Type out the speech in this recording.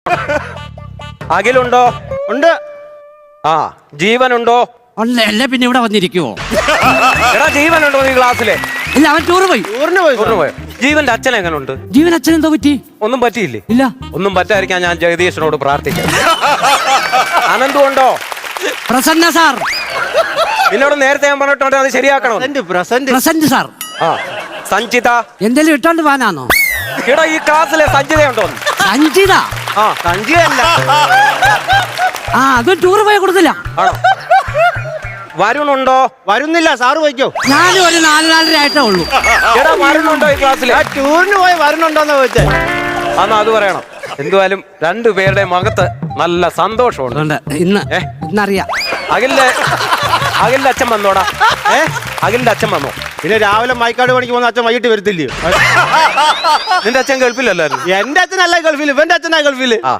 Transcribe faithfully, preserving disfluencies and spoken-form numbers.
അഖിലുണ്ടോ? ഉണ്ട്. ആ ജീവനുണ്ടോ? അല്ല പിന്നെ ഇവിടെ വന്നിരിക്കുവോ? എടാ ജീവനുണ്ടോ നീ ക്ലാസ്സിലെ? ഇല്ല, അവൻ ടൂറ് പോയി. ടൂറിന് പോയി. ടൂറിന് പോയോ? ജീവന്റെ അച്ഛൻ എങ്ങനുണ്ട്? ജീവൻ അച്ഛൻ എന്തോ പറ്റി? ഒന്നും പറ്റിയില്ലേ? ഇല്ല. ഒന്നും പറ്റാതിരിക്കാൻ ഞാൻ ജഗദീശനോട് പ്രാർത്ഥിക്കാം. അനന്തു ഉണ്ടോ? പ്രസന്ന സാർ. നിന്നോട് നേരത്തെ ഞാൻ പറഞ്ഞിട്ടുണ്ട് അത് ശരിയാക്കണോ? Present present sir. ആ സഞ്ചിത എന്തെങ്കിലും ഇട്ടോണ്ട് പോകാനാണോ? എടാ ഈ ക്ലാസ്സിലെ സഞ്ചിതയുണ്ടോ? സഞ്ചിത? ആ സഞ്ജയല്ല. ആ അത് ടൂറ് പോയി കൊടുത്തില്ല. ആണോ? വരുണുണ്ടോ? വരുന്നില്ല, സാറ് പോയിക്കോ. ഞാനും ഒരു നാല് നാലര ആയിട്ടേ ഉള്ളൂ. എടാ വരുണുണ്ടോ ഈ ക്ലാസ്സിലെ? ആ ടൂറിന് പോയി വരുന്നുണ്ടോന്ന് ചോദിച്ചേ. അന്ന് അത് പറയണം. എന്തുവായാലും രണ്ടുപേരുടെ മുഖത്ത് നല്ല സന്തോഷമുണ്ട്. അതുകൊണ്ട് ഇന്ന് ഏ? ഇന്നറിയാം. അഖിലിന്റെ അഖിലിന്റെ അച്ഛൻ വന്നോടാ? ഏ അഖിലിന്റെ അച്ഛൻ വന്നോ? പിന്നെ രാവിലെ മൈക്കാട് പണിക്ക് പോകുന്ന അച്ഛൻ വൈകിട്ട് വരത്തില്ലയോ? നിന്റെ അച്ഛൻ ഗൾഫിലല്ലായിരുന്നു? എന്റെ അച്ഛനല്ല ഗൾഫിൽ, ഇവന്റെ അച്ഛനാ ഗൾഫിൽ. ആ